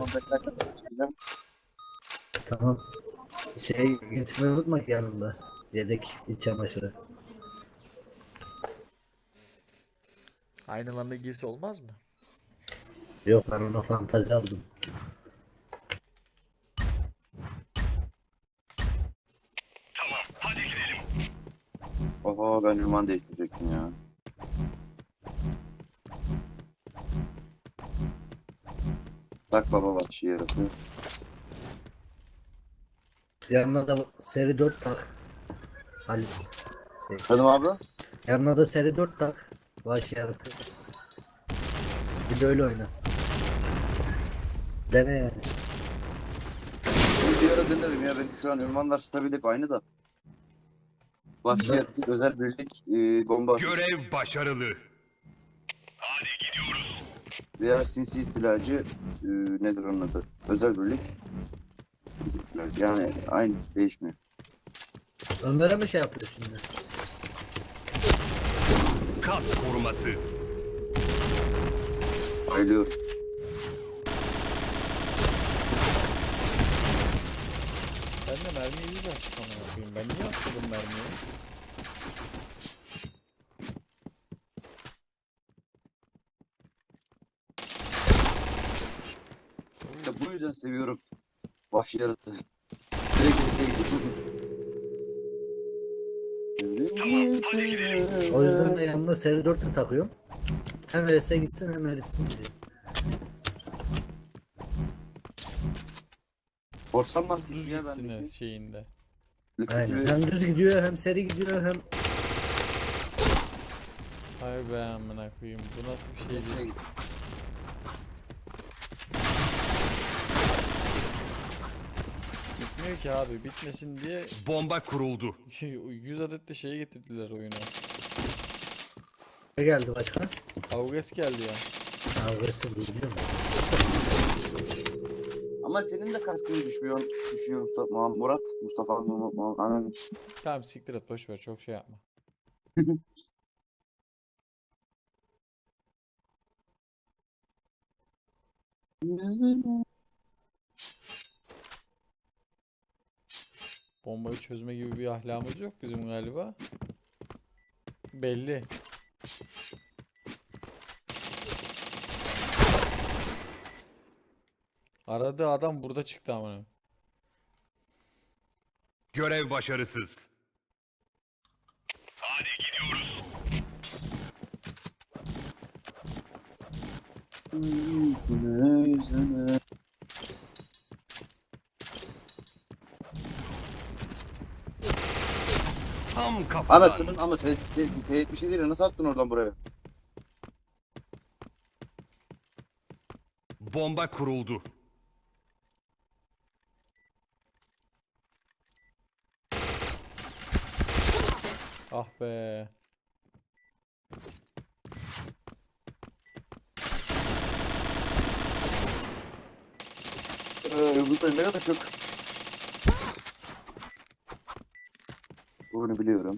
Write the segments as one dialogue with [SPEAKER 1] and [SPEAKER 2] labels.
[SPEAKER 1] Tamam bekle.
[SPEAKER 2] Tamam. Şey getirmeyi unutma ki yanında. Yedek iç çamaşırı.
[SPEAKER 3] Aynı anda giysi olmaz mı?
[SPEAKER 2] Yok ben ona fantazi aldım.
[SPEAKER 1] Oha ben ünvan değiştirecektim ya. Tak baba vahşi yaratı.
[SPEAKER 2] Yanına da seri 4 tak. Halit. Şey.
[SPEAKER 1] Hadi abi.
[SPEAKER 2] Yanına da seri 4 tak. Baş yaratı. Bir de öyle oyna. Dene yani.
[SPEAKER 1] Bir ara denerim ya. Benim şu an ünvanlar stabil hep aynı da. Vahşi yaratı, özel birlik, bomba atış
[SPEAKER 4] Görev başarılı.
[SPEAKER 1] veya sinsi istilacı, nedir onun adı? Özel birlik. Sinsi istilacı. Yani aynı değişmiyor.
[SPEAKER 2] Ömer'e mi şey yapıyor şimdi?
[SPEAKER 4] Kas koruması.
[SPEAKER 1] Bayılıyorum.
[SPEAKER 3] Ben de mermiyi iyice açık amına koyayım. Ben niye atladım mermiyi?
[SPEAKER 1] Ya bu yüzden seviyorum vahşi yaratı. Direkt sevdim.
[SPEAKER 2] O yüzden de yanına seri 4 de takıyorum. Hem VS'e gitsin hem erisin diye.
[SPEAKER 1] Korsan
[SPEAKER 3] Düz
[SPEAKER 1] maskesi ya
[SPEAKER 3] gitsin
[SPEAKER 1] bendeki.
[SPEAKER 3] şeyinde.
[SPEAKER 2] Aynen. Hem düz gidiyor hem seri gidiyor hem
[SPEAKER 3] Hay be amına koyayım. Bu nasıl bir şeydi? Bitmiyor ki abi. Bitmesin diye
[SPEAKER 4] Bomba kuruldu.
[SPEAKER 3] 100 adet de şeye getirdiler oyuna.
[SPEAKER 2] ne geldi başka?
[SPEAKER 3] Avges geldi ya.
[SPEAKER 2] Agresif biliyor musun?
[SPEAKER 1] Ama senin de kaskın düşüyor Mustafa, Murat, Mustafa, anam.
[SPEAKER 3] Tamam siktir et boş ver çok şey yapma. Bombayı çözme gibi bir ahlakımız yok bizim galiba. Belli. Aradığı adam burada çıktı amına.
[SPEAKER 4] Görev başarısız. Tam kafadan.
[SPEAKER 1] Anasının ama T70 değil, nasıl attın oradan buraya?
[SPEAKER 4] Bomba kuruldu.
[SPEAKER 3] Ah be.
[SPEAKER 1] Bu ne kadar çok. Bunu biliyorum.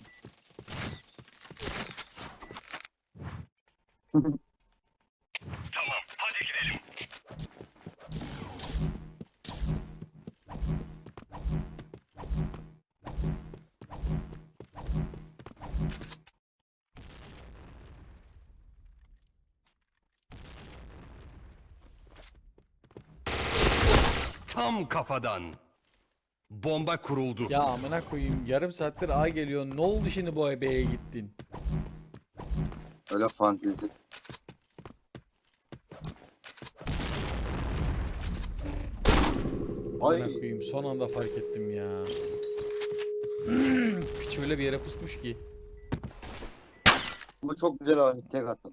[SPEAKER 4] Tam kafadan. Bomba kuruldu.
[SPEAKER 3] Ya amına koyayım yarım saattir A geliyor. Ne oldu şimdi bu B'ye gittin?
[SPEAKER 1] Öyle fantezi. Ay.
[SPEAKER 3] Amına koyayım son anda fark ettim ya. Piç öyle bir yere pusmuş ki.
[SPEAKER 1] Bu çok güzel abi, tek attım.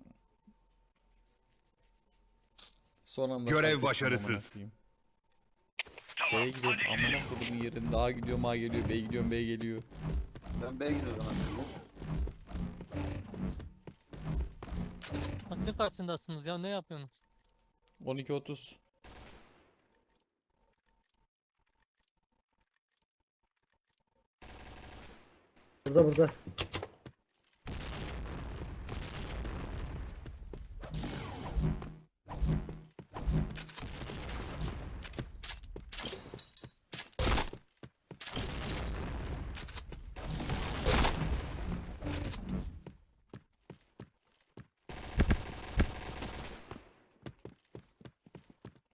[SPEAKER 3] Son anda
[SPEAKER 4] Görev
[SPEAKER 3] fark ettim
[SPEAKER 4] başarısız.
[SPEAKER 3] amına koyayım. B'ye gidiyorum amına kodumun yerinde A gidiyorum A geliyor B gidiyorum B geliyor.
[SPEAKER 1] Ben B'ye gidiyorum aslında.
[SPEAKER 5] Kaçın karşısındasınız ya ne yapıyorsunuz?
[SPEAKER 3] 12:30.
[SPEAKER 2] Burada.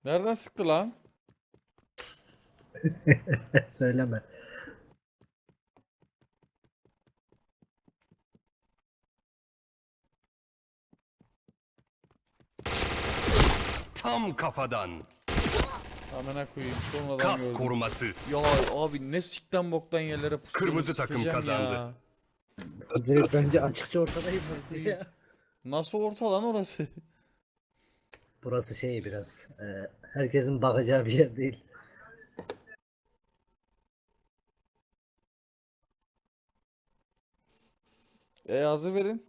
[SPEAKER 3] Nereden sıktı lan?
[SPEAKER 2] Söyleme.
[SPEAKER 4] Tam kafadan.
[SPEAKER 3] Amına koyayım. Sonradan
[SPEAKER 4] Kas
[SPEAKER 3] gördüm.
[SPEAKER 4] koruması.
[SPEAKER 3] Ya abi ne sikten boktan yerlere pusuyorsunuz,
[SPEAKER 4] Kırmızı takım
[SPEAKER 3] sikeceğim
[SPEAKER 4] kazandı.
[SPEAKER 3] ya.
[SPEAKER 2] Direkt bence açıkça ortadayım bence ya.
[SPEAKER 3] Nasıl orta lan orası?
[SPEAKER 2] Burası şey biraz. Herkesin bakacağı bir yer değil.
[SPEAKER 3] Hazır verin.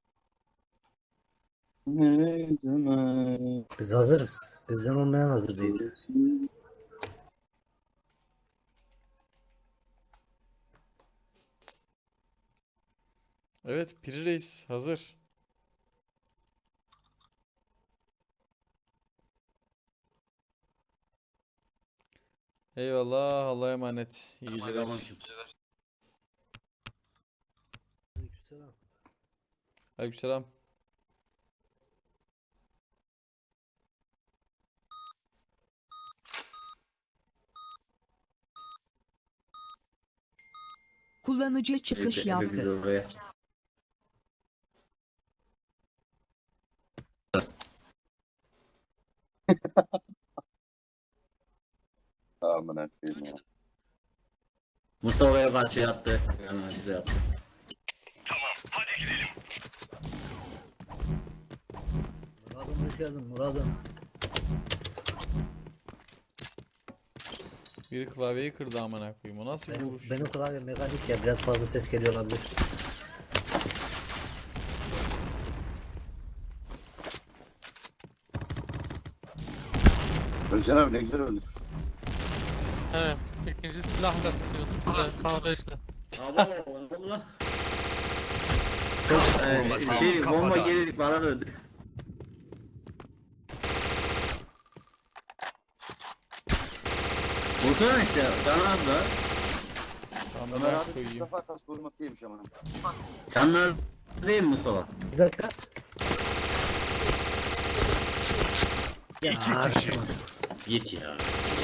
[SPEAKER 1] Ne demek?
[SPEAKER 2] Biz hazırız. Bizden olmayan hazır değil.
[SPEAKER 3] Evet, Piri Reis hazır. Eyvallah, Allah'a emanet. İyi geceler. Aleykümselam.
[SPEAKER 6] Kullanıcı çıkış yaptı.
[SPEAKER 1] Amına koyayım ya.
[SPEAKER 7] Mustafa'ya karşı yattı. Yani bize yattı.
[SPEAKER 2] Murat'ım hoş geldin Murat'ım.
[SPEAKER 3] Biri klavyeyi kırdı amına koyayım. O nasıl bir vuruş?
[SPEAKER 2] Benim klavye mekanik ya biraz fazla ses geliyor olabilir.
[SPEAKER 1] Özcan abi ne güzel ölür.
[SPEAKER 5] Evet. İkinci silahla sıkıyordum. K5'le.
[SPEAKER 7] Abo ne oldu lan?
[SPEAKER 4] Koruması.
[SPEAKER 7] Şey
[SPEAKER 4] Tam
[SPEAKER 7] bomba
[SPEAKER 4] kafadan.
[SPEAKER 7] gelip bana döndü. Vursana işte canaz da.
[SPEAKER 1] Ömer
[SPEAKER 3] Amına
[SPEAKER 1] abi 3
[SPEAKER 3] koyayım.
[SPEAKER 1] defa kas koruması yemiş amına.
[SPEAKER 7] Canlar değil mi Mustafa?
[SPEAKER 2] Bir dakika.
[SPEAKER 4] İki kişi.
[SPEAKER 7] Git ya.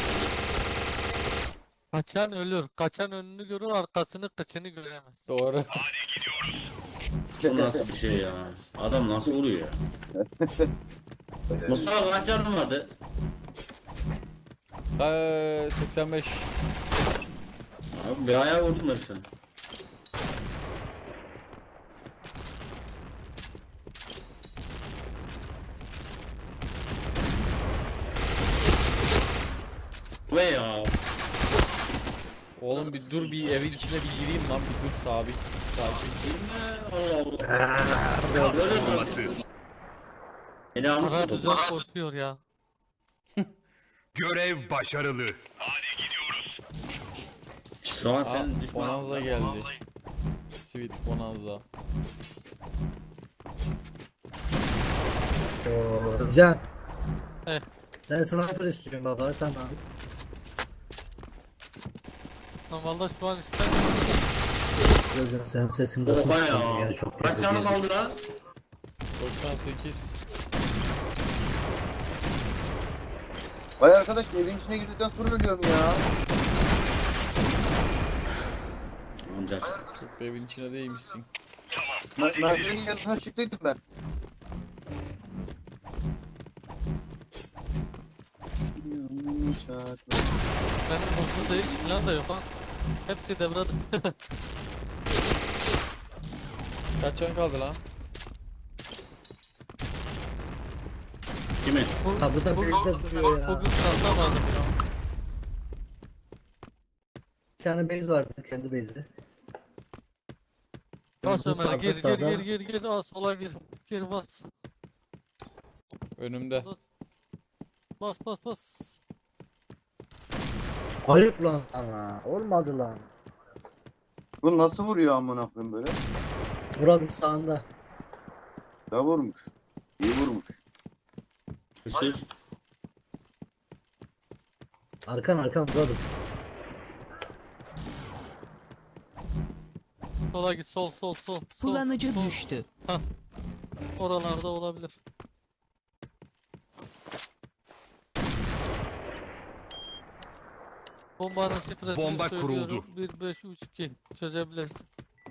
[SPEAKER 5] Kaçan ölür. Kaçan önünü görür, arkasını kıçını göremez.
[SPEAKER 3] Doğru.
[SPEAKER 7] Bu nasıl bir şey ya? Adam nasıl vuruyor ya? Mustafa kaç canın vardı?
[SPEAKER 3] 85.
[SPEAKER 7] Abi bir ayağa vurdum da sen. Ve ya.
[SPEAKER 3] Oğlum bir dur, bir evin içine bir gireyim lan, bir dur sabit. Sakin.
[SPEAKER 7] Allah Allah.
[SPEAKER 4] Kas koruması.
[SPEAKER 7] Beni
[SPEAKER 5] Ara
[SPEAKER 7] anlatma.
[SPEAKER 5] düzen koşuyor ya.
[SPEAKER 4] Görev başarılı.
[SPEAKER 7] Şu an sen
[SPEAKER 3] Aa,
[SPEAKER 7] düşman.
[SPEAKER 3] Bonanza geldi. Sweet Bonanza.
[SPEAKER 2] Can.
[SPEAKER 5] Eh.
[SPEAKER 2] Sen sniper istiyorsun baba tamam.
[SPEAKER 5] Ben valla şu an istemiyorum.
[SPEAKER 2] Özcan senin sesin
[SPEAKER 7] Oha
[SPEAKER 2] basmış
[SPEAKER 7] ya.
[SPEAKER 2] kaldı ya çok
[SPEAKER 7] Kaç canın
[SPEAKER 2] kötü.
[SPEAKER 7] kaldı lan?
[SPEAKER 3] 98.
[SPEAKER 1] Vay arkadaş evin içine girdikten sonra ölüyorum ya.
[SPEAKER 7] Amca.
[SPEAKER 3] Çok da evin içine değmişsin.
[SPEAKER 1] Merdivenin yarısına çıktıydım ben.
[SPEAKER 5] Benim hızlı değil falan da yok ha. Hepsi devrede.
[SPEAKER 3] Kaç can kaldı lan?
[SPEAKER 7] Kimin?
[SPEAKER 2] Kapıda bezde duruyor ya.
[SPEAKER 5] Bugün kazanmadım ya.
[SPEAKER 2] Bir tane base vardı kendi base'i.
[SPEAKER 5] Bas Ömer, gir
[SPEAKER 2] Sağda.
[SPEAKER 5] gir. Aa, sola gir. Gir bas.
[SPEAKER 3] Önümde.
[SPEAKER 5] Bas.
[SPEAKER 2] Ayıp lan sana. Olmadı lan.
[SPEAKER 1] Bu nasıl vuruyor amına koyayım böyle?
[SPEAKER 2] Murat'ım sağında.
[SPEAKER 1] Ya vurmuş. İyi vurmuş.
[SPEAKER 7] Hırsız.
[SPEAKER 2] Arkan Murat'ım.
[SPEAKER 5] Sola git, sol.
[SPEAKER 6] Kullanıcı
[SPEAKER 5] sol.
[SPEAKER 6] düştü.
[SPEAKER 5] Oralarda olabilir. Bombanın şifresini
[SPEAKER 4] Bomba
[SPEAKER 5] söylüyorum.
[SPEAKER 4] kuruldu.
[SPEAKER 5] 1532 çözebilirsin.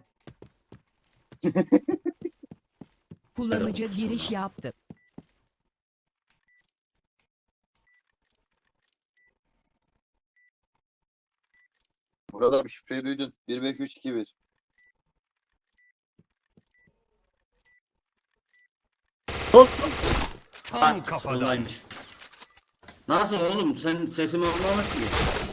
[SPEAKER 6] Kullanıcı giriş yaptı.
[SPEAKER 1] Burada bir şifreyi duydun. 15321.
[SPEAKER 4] Tam kafadan.
[SPEAKER 7] Olaymış. Nasıl oğlum? Sen sesimi anlamışsın.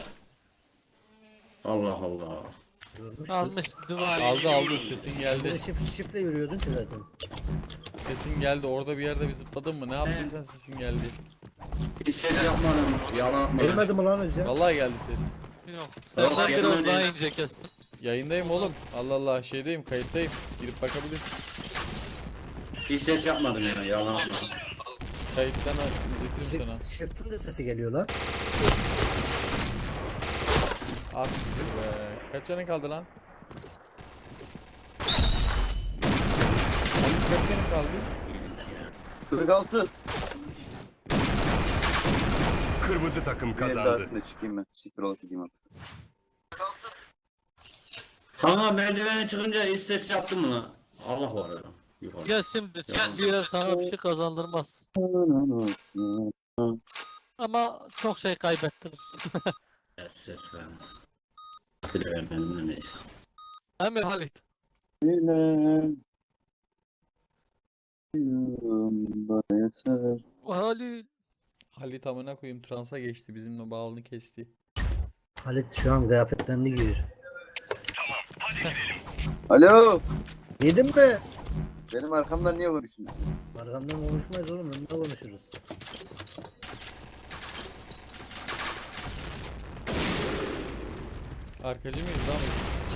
[SPEAKER 7] Allah Allah.
[SPEAKER 2] Görmüştüm.
[SPEAKER 5] Almış duvar.
[SPEAKER 3] Aldı sesin
[SPEAKER 2] Bir
[SPEAKER 3] geldi.
[SPEAKER 2] de şifre yürüyordun ki zaten.
[SPEAKER 3] Sesin geldi. Orada bir yerde bir zıpladın mı? Ne yaptıysan sesin geldi.
[SPEAKER 7] Hiç ses yapmadım. Yalan atmadım.
[SPEAKER 2] Gelmedi mi lan Özcan?
[SPEAKER 3] Vallahi geldi ses.
[SPEAKER 5] Yok.
[SPEAKER 7] Yok,
[SPEAKER 5] Senden biraz
[SPEAKER 7] gelmedi.
[SPEAKER 5] daha ince kestim.
[SPEAKER 3] Yayındayım oğlum. Allah Allah şeydeyim, kayıttayım. Girip bakabilirsin.
[SPEAKER 7] Hiç ses yapmadım yani. Yalan atmadım.
[SPEAKER 3] Kayıttan izletirim sana.
[SPEAKER 2] Shift'in de sesi geliyor lan.
[SPEAKER 3] Az siktir be. Kaç canın kaldı lan? Senin kaç canın kaldı?
[SPEAKER 1] 46.
[SPEAKER 4] Kırmızı takım
[SPEAKER 1] Bir el daha
[SPEAKER 4] kazandı.
[SPEAKER 1] atayım da çıkayım ben. Siktir olup gideyim artık.
[SPEAKER 7] Kanka merdivene çıkınca hiç ses yaptın mı lan? Allah var ya. Yukarı.
[SPEAKER 5] Ya şimdi bir yer sana bir şey kazandırmaz. Ama çok şey kaybettirir.
[SPEAKER 7] Ses verme. Bile vermedim de neyse.
[SPEAKER 5] Hem de Halit.
[SPEAKER 1] Bana yeter.
[SPEAKER 5] Halit.
[SPEAKER 3] Halit amına koyayım transa geçti. Bizimle bağlını kesti.
[SPEAKER 2] Halit şu an kıyafetlerini giyiyor.
[SPEAKER 1] Alo.
[SPEAKER 2] Yedin mi?
[SPEAKER 1] Benim arkamdan niye konuşuyorsun?
[SPEAKER 2] Arkamdan konuşmayız oğlum, önünde konuşuruz.
[SPEAKER 3] Arkacı mıyız lan biz?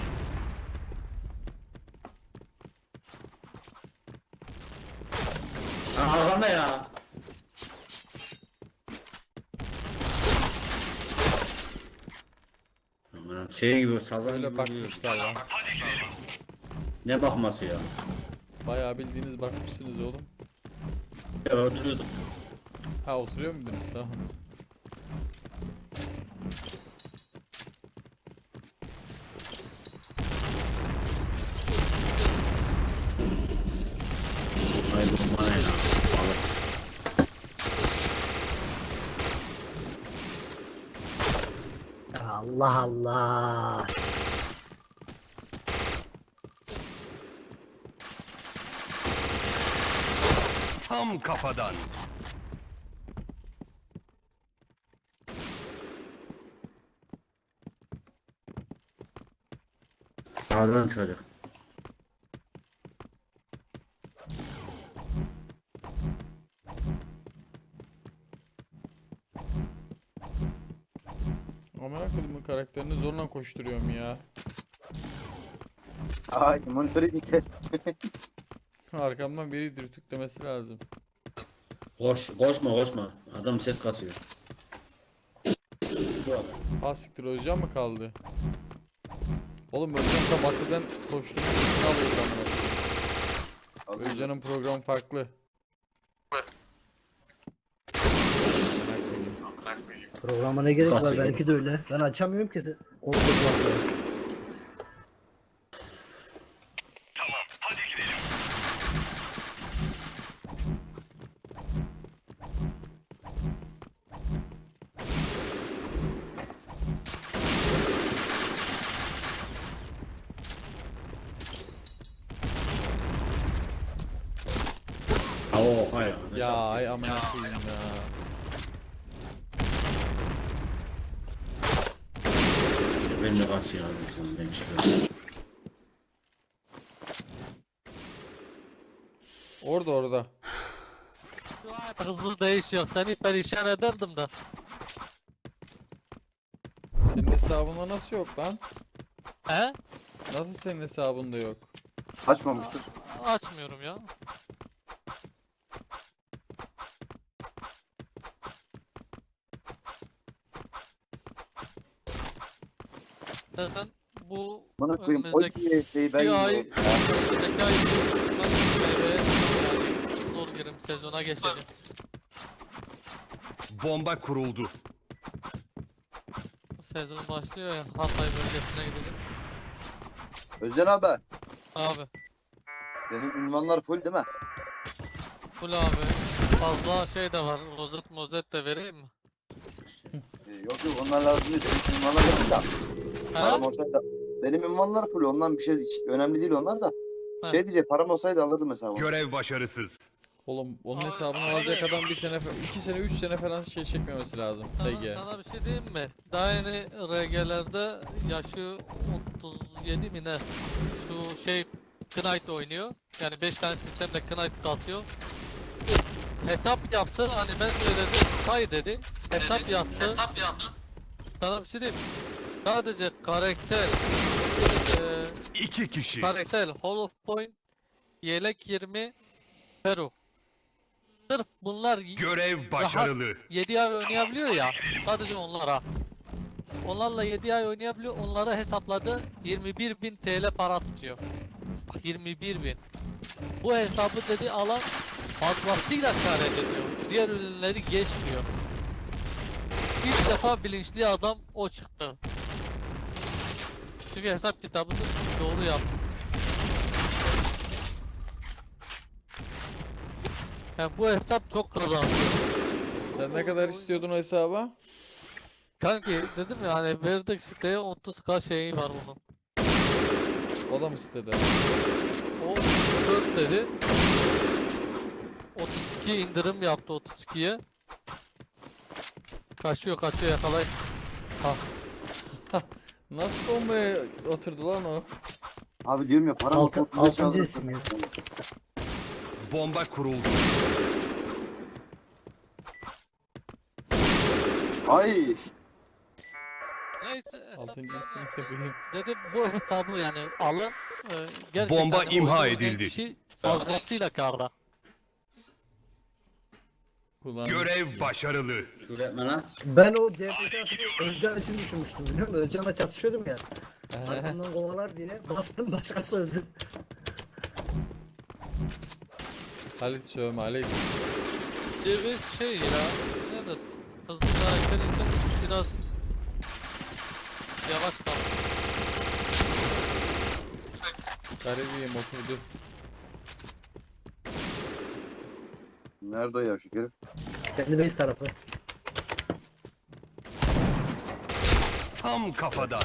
[SPEAKER 7] Arkanda ya. Aman şey gibi sazan
[SPEAKER 3] Öyle
[SPEAKER 7] gibi
[SPEAKER 3] bakmışlar lan.
[SPEAKER 7] Ne bakması ya?
[SPEAKER 3] Bayağı bildiğiniz bakmışsınız oğlum.
[SPEAKER 7] Ya öldürüyordum.
[SPEAKER 3] Ha oturuyor muydunuz? Tamam.
[SPEAKER 7] Ay bu bana ya.
[SPEAKER 2] Allah Allah.
[SPEAKER 4] Tam kafadan.
[SPEAKER 7] Sağdan çıkacak.
[SPEAKER 3] Amına koyduğumun karakterini zorla koşturuyorum ya.
[SPEAKER 1] Ay monitörü dikkat.
[SPEAKER 3] Arkamdan biri dürtüklemesi lazım.
[SPEAKER 7] Koşma. Adam ses kasıyor. Bu adam.
[SPEAKER 3] Ha siktir Özcan mı kaldı? Oğlum Özcan da masadan koştuğunu sesini alıyor amına koyayım. Özcan'ın programı farklı.
[SPEAKER 2] Programa ne gerek var?
[SPEAKER 7] Kaçıyor.
[SPEAKER 2] Belki de öyle. Ben açamıyorum ki. Koltuk var.
[SPEAKER 7] Oha ya. ne
[SPEAKER 3] Ya
[SPEAKER 7] şarkı.
[SPEAKER 3] ay amına koyayım ya.
[SPEAKER 7] Ben de kasıyor anasını ben çıkıyorum.
[SPEAKER 3] Orada.
[SPEAKER 5] Hızlı değişiyor. Seni perişan ederdim de.
[SPEAKER 3] Senin hesabında nasıl yok lan?
[SPEAKER 5] He?
[SPEAKER 3] Nasıl senin hesabında yok?
[SPEAKER 1] Açmamıştır.
[SPEAKER 5] Açmıyorum ya. Zaten bu
[SPEAKER 1] Bana koyayım. O
[SPEAKER 5] önümüzdeki
[SPEAKER 1] şeyi ben
[SPEAKER 5] bir ay,
[SPEAKER 1] yiyorum.
[SPEAKER 5] önümüzdeki ay yani zor girim sezona geçeceğim.
[SPEAKER 4] Bomba kuruldu.
[SPEAKER 5] sezon başlıyor ya. Hatay bölgesine gidelim.
[SPEAKER 1] Özcan abi
[SPEAKER 5] Abi.
[SPEAKER 1] benim ünvanlar full değil mi?
[SPEAKER 5] Full abi. Fazla şey de var. Rozet mozet de vereyim mi?
[SPEAKER 1] Yok yok onlar lazım değil. Benim ünvanlar full da.
[SPEAKER 5] Ha?
[SPEAKER 1] Param olsaydı. Benim ünvanlar full ondan bir şey önemli değil onlar da.
[SPEAKER 5] Ha.
[SPEAKER 1] Şey diyecek param olsaydı alırdım mesela onu.
[SPEAKER 4] Görev başarısız.
[SPEAKER 3] Oğlum onun hesabını alacak adam 1 sene, 2 sene, 3 sene falan şey çekmemesi lazım. TG.
[SPEAKER 5] Sana bir şey diyeyim mi? Daha yeni RG'lerde yaşı 37 mi ne? Şu şey Knight oynuyor. Yani 5 tane sistemde Knight kasıyor. Hesap yaptı hani ben söyledim say dedi. Hesap yaptı. Sana bir şey diyeyim mi? Sadece karakter eee
[SPEAKER 4] 2 kişi.
[SPEAKER 5] karakter Hall of Point yelek 20 Peru. Sırf bunlar
[SPEAKER 4] Görev başarılı.
[SPEAKER 5] 7 ay oynayabiliyor ya. Sadece onlara. Onlarla 7 ay oynayabiliyor. Onlara hesapladı 21.000 TL para tutuyor. Bak 21.000. Bu hesabı dedi alan fazlasıyla kâr ediyor. Diğer ürünleri geçmiyor. İlk defa bilinçli adam o çıktı. Çünkü hesap kitabını doğru yaptı. Yani bu hesap çok kazandı.
[SPEAKER 3] Sen ne kadar istiyordun o hesaba?
[SPEAKER 5] Kanki dedim ya hani verdik siteye 30k şeyi var bunun.
[SPEAKER 3] O da mı sitede?
[SPEAKER 5] O 4 dedi. 32 indirim yaptı 32'ye. Kaçıyor yakalayın.
[SPEAKER 3] Nasıl bombaya oturdu lan o?
[SPEAKER 1] Abi diyorum ya param
[SPEAKER 2] Altı,
[SPEAKER 1] olsa
[SPEAKER 2] altıncı
[SPEAKER 1] çaldım.
[SPEAKER 2] ismi.
[SPEAKER 4] Bomba kuruldu.
[SPEAKER 1] Ay
[SPEAKER 5] Neyse hesap
[SPEAKER 3] 6. isim söyleyeyim.
[SPEAKER 5] dedim bu hesabı yani alın. Gerçekten
[SPEAKER 4] Bomba
[SPEAKER 5] de
[SPEAKER 4] imha
[SPEAKER 5] oyunu oynayan
[SPEAKER 4] edildi.
[SPEAKER 5] kişi fazlasıyla karda.
[SPEAKER 3] Kulağını
[SPEAKER 4] Görev
[SPEAKER 3] sikeyim.
[SPEAKER 4] başarılı.
[SPEAKER 7] Küfür etme lan.
[SPEAKER 2] Ben o CHP şahsını Özcan için düşünmüştüm biliyor musun? Özcan'la çatışıyordum ya. Arkamdan kovalar diye bastım başkası öldü.
[SPEAKER 3] Halit sövme Halit.
[SPEAKER 5] Bir şey ya nedir? Hızlı karakter için biraz yavaş kal.
[SPEAKER 3] Garibiyim oturdu.
[SPEAKER 1] nerede o ya şu herif?
[SPEAKER 2] Kendi base tarafı.
[SPEAKER 4] Tam kafadan.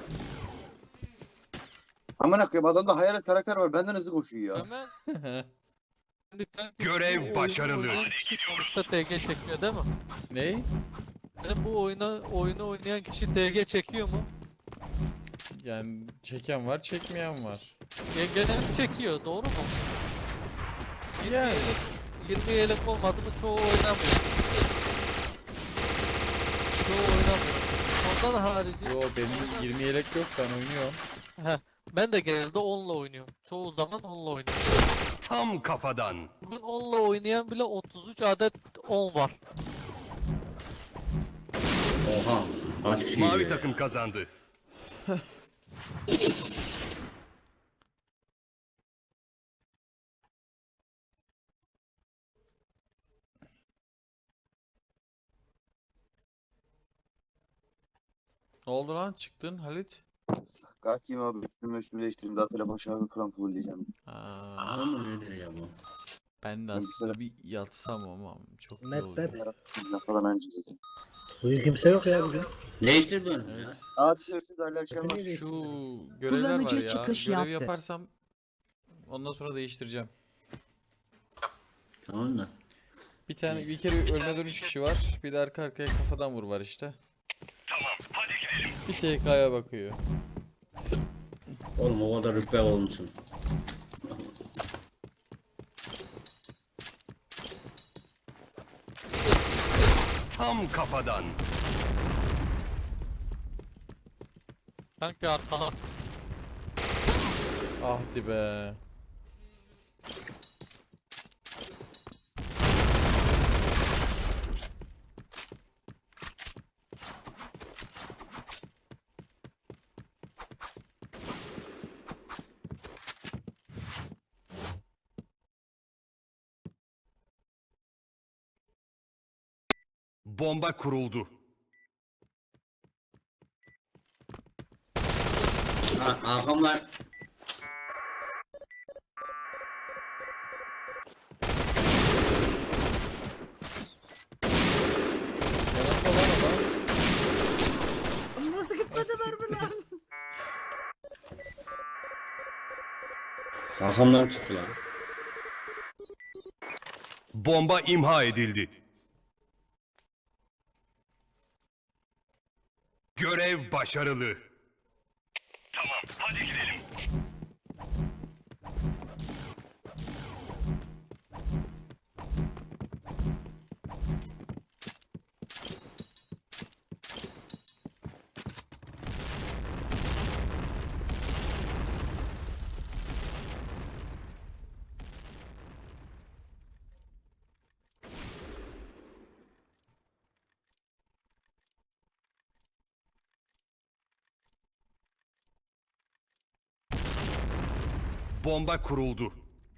[SPEAKER 1] Aman koyayım adamda hayalet karakter var benden hızlı koşuyor ya.
[SPEAKER 5] Hemen şimdi kanki
[SPEAKER 4] Görev
[SPEAKER 5] bu oyunu
[SPEAKER 4] başarılı.
[SPEAKER 5] oynayan kişi sonuçta TG çekiyor değil mi?
[SPEAKER 3] Ney?
[SPEAKER 5] Yani bu oyunu oynayan kişi TG çekiyor mu?
[SPEAKER 3] Yani çeken var, çekmeyen var.
[SPEAKER 5] Genelde çekiyor doğru mu?
[SPEAKER 3] Yani
[SPEAKER 5] 20 yelek olmadı mı çoğu oynamıyor. Çoğu oynamıyor. Ondan harici
[SPEAKER 3] yo benim 20 yelek yok ben oynuyorum.
[SPEAKER 5] heh, ben de genelde 10'la oynuyorum. Çoğu zaman 10'la oynuyorum.
[SPEAKER 4] Tam kafadan.
[SPEAKER 5] Bugün 10'la oynayan bile 33 adet 10 var.
[SPEAKER 7] Oha. Kaç kişi
[SPEAKER 4] Mavi
[SPEAKER 7] geliyor ya?
[SPEAKER 4] takım kazandı.
[SPEAKER 3] Ne oldu lan çıktın Halit?
[SPEAKER 1] Kalkayım abi üstümü değiştireyim daha telefon şarjı falan fullleyeceğim.
[SPEAKER 3] Aa,
[SPEAKER 7] Var mı nedir ya bu?
[SPEAKER 3] ben de
[SPEAKER 1] Ben bir
[SPEAKER 3] aslında bir yatsam ama çok iyi
[SPEAKER 2] Map
[SPEAKER 3] oluyor.
[SPEAKER 2] map.
[SPEAKER 1] Falan önce zaten.
[SPEAKER 2] Bugün kimse yok ya bugün.
[SPEAKER 7] Değiştir bunu ya.
[SPEAKER 3] Evet.
[SPEAKER 1] Hadi görüşürüz hayırlı akşamlar.
[SPEAKER 2] Niye
[SPEAKER 3] Şu
[SPEAKER 2] değiştirdin?
[SPEAKER 3] görevler var
[SPEAKER 6] Kullanıcı
[SPEAKER 3] ya.
[SPEAKER 6] çıkış
[SPEAKER 3] Görev
[SPEAKER 6] yaptı.
[SPEAKER 3] yaparsam ondan sonra değiştireceğim.
[SPEAKER 7] Tamam mı?
[SPEAKER 3] Bir tane bir kere ölme dönüş kişi var. Bir de arka arkaya kafadan vur var işte. Bir TK'ya bakıyor.
[SPEAKER 7] Oğlum o kadar rütbe olmuşsun.
[SPEAKER 4] Tam kafadan.
[SPEAKER 5] Kanki arkana.
[SPEAKER 3] Ahdi be.
[SPEAKER 4] Bomba kuruldu.
[SPEAKER 7] Hakan var.
[SPEAKER 3] Yanımda lan adam.
[SPEAKER 2] Nasıl gitmedi mermi lan?
[SPEAKER 7] Hakan'dan çıktı lan.
[SPEAKER 4] Bomba imha edildi. Görev başarılı. Bomba kuruldu.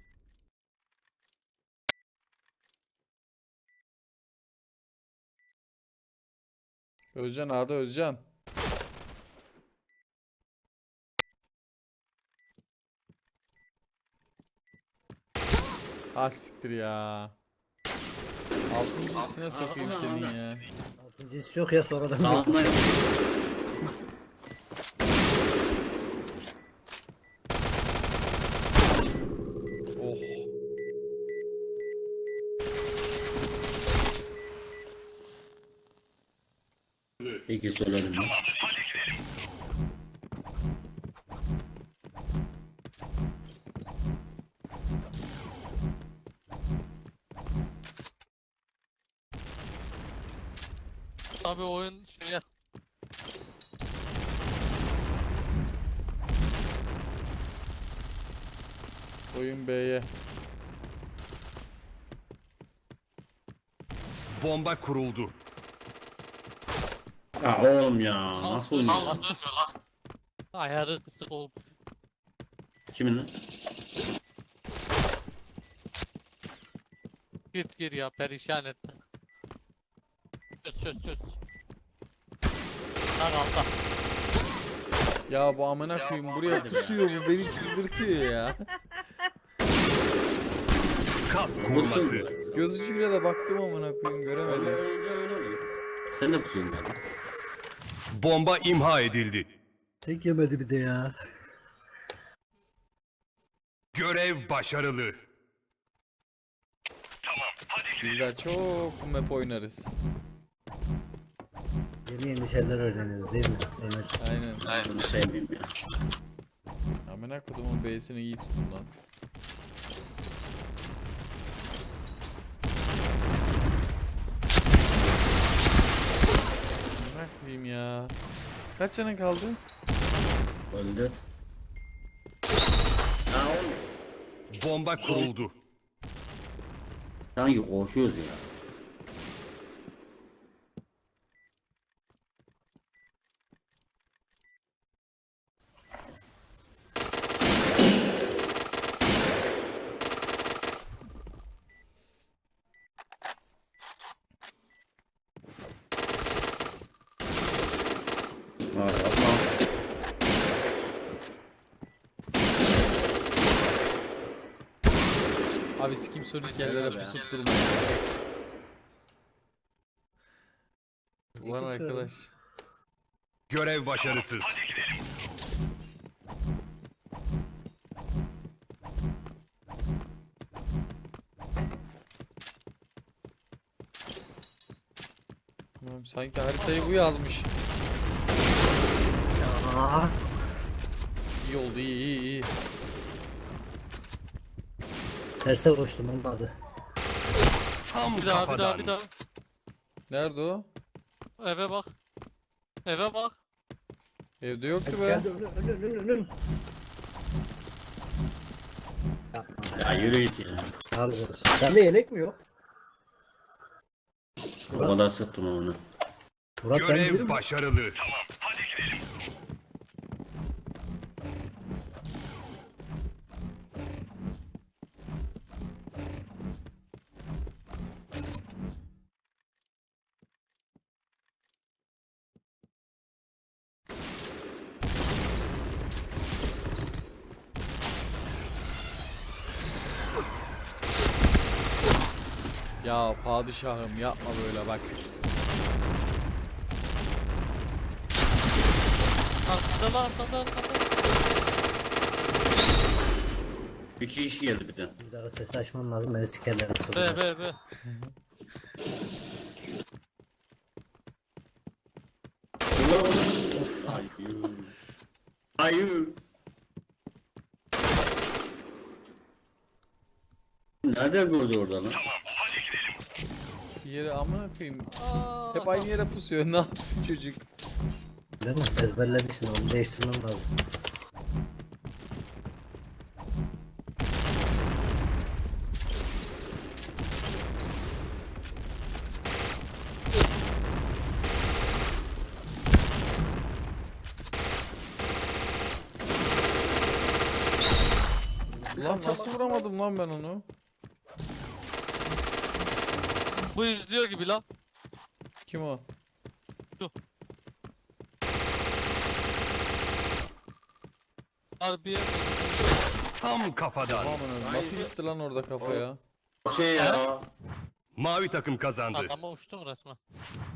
[SPEAKER 3] Özcan A'da Özcan. Ha siktir ya. Altıncısına sokayım
[SPEAKER 7] A'da,
[SPEAKER 3] senin
[SPEAKER 7] A'da.
[SPEAKER 3] ya.
[SPEAKER 2] Altıncısı yok ya sonradan.
[SPEAKER 7] Hakan'dan
[SPEAKER 3] Oh.
[SPEAKER 7] İki söyledim ben.
[SPEAKER 5] Abi oyun şeye
[SPEAKER 3] Oyun B'ye.
[SPEAKER 4] Bomba kuruldu.
[SPEAKER 7] Ya oğlum ya. Nasıl oynuyor?
[SPEAKER 5] ayarı kısık oldu.
[SPEAKER 7] Kimin lan?
[SPEAKER 5] Gir ya perişan etti. Çöz. Lan altta.
[SPEAKER 3] Ya bu amına koyayım buraya pusuyor bu beni çıldırtıyor ya.
[SPEAKER 4] Kas kurması.
[SPEAKER 3] Göz ucuyla da baktım amına koyayım göremedim.
[SPEAKER 7] Sen de pusuyorsun lan.
[SPEAKER 4] Bomba imha edildi.
[SPEAKER 2] Tek yemedi bir de ya.
[SPEAKER 4] Görev başarılı.
[SPEAKER 3] Bizler çok map oynarız.
[SPEAKER 2] Yeni şeyler öğreniyoruz değil mi? Emir.
[SPEAKER 3] Aynen.
[SPEAKER 7] Bunu sevmiyorum ya.
[SPEAKER 3] Amına kodumun B'sini iyi tutun lan. Amına koyayım ya. Kaç canın kaldı?
[SPEAKER 7] Öldü. Ya oğlum.
[SPEAKER 4] Bomba kuruldu.
[SPEAKER 7] Sanki koşuyoruz ya. Var yapma.
[SPEAKER 3] Abi sikim sönük yerlere
[SPEAKER 7] ya.
[SPEAKER 3] pusup durma ya. Ulan arkadaş.
[SPEAKER 4] Görev başarısız.
[SPEAKER 3] Oğlum sanki haritayı bu yazmış.
[SPEAKER 2] Aa,
[SPEAKER 3] İyi oldu iyi.
[SPEAKER 2] terse koştum olmadı.
[SPEAKER 4] Tam
[SPEAKER 5] Bir daha.
[SPEAKER 4] kafadan.
[SPEAKER 3] Nerede o?
[SPEAKER 5] Eve bak. Eve bak.
[SPEAKER 3] Evde yoktu be.
[SPEAKER 2] Geldi ölüm. Yapma.
[SPEAKER 7] Ya yürü git ya.
[SPEAKER 2] Al vurur. Sende yelek mi yok?
[SPEAKER 7] O kadar sıktım onu.
[SPEAKER 2] Murat ben
[SPEAKER 4] Görev
[SPEAKER 2] değilim.
[SPEAKER 4] başarılı.
[SPEAKER 3] Ya padişahım yapma böyle bak.
[SPEAKER 5] Arkada lan arkada.
[SPEAKER 7] Bir kişi geldi bir de.
[SPEAKER 2] Bir daha sesi açmam lazım, beni sikerler.
[SPEAKER 5] B.
[SPEAKER 7] Hayır. Hayır. Nereden gördü orada lan?
[SPEAKER 3] Bir yere amına koyayım.
[SPEAKER 5] Aa,
[SPEAKER 3] Hep aynı yere pusuyor. Ne yapsın çocuk?
[SPEAKER 2] Değil mi? Ezberledik şimdi, onu değiştirmem lazım.
[SPEAKER 3] Lan nasıl vuramadım lan ben onu?
[SPEAKER 5] bu izliyor gibi lan.
[SPEAKER 3] Kim o?
[SPEAKER 5] Harbiye.
[SPEAKER 4] Tam kafadan.
[SPEAKER 3] Aman nasıl gitti lan orada kafaya?
[SPEAKER 7] Şey ya.
[SPEAKER 4] Mavi takım kazandı.
[SPEAKER 5] Adama uçtum resmen.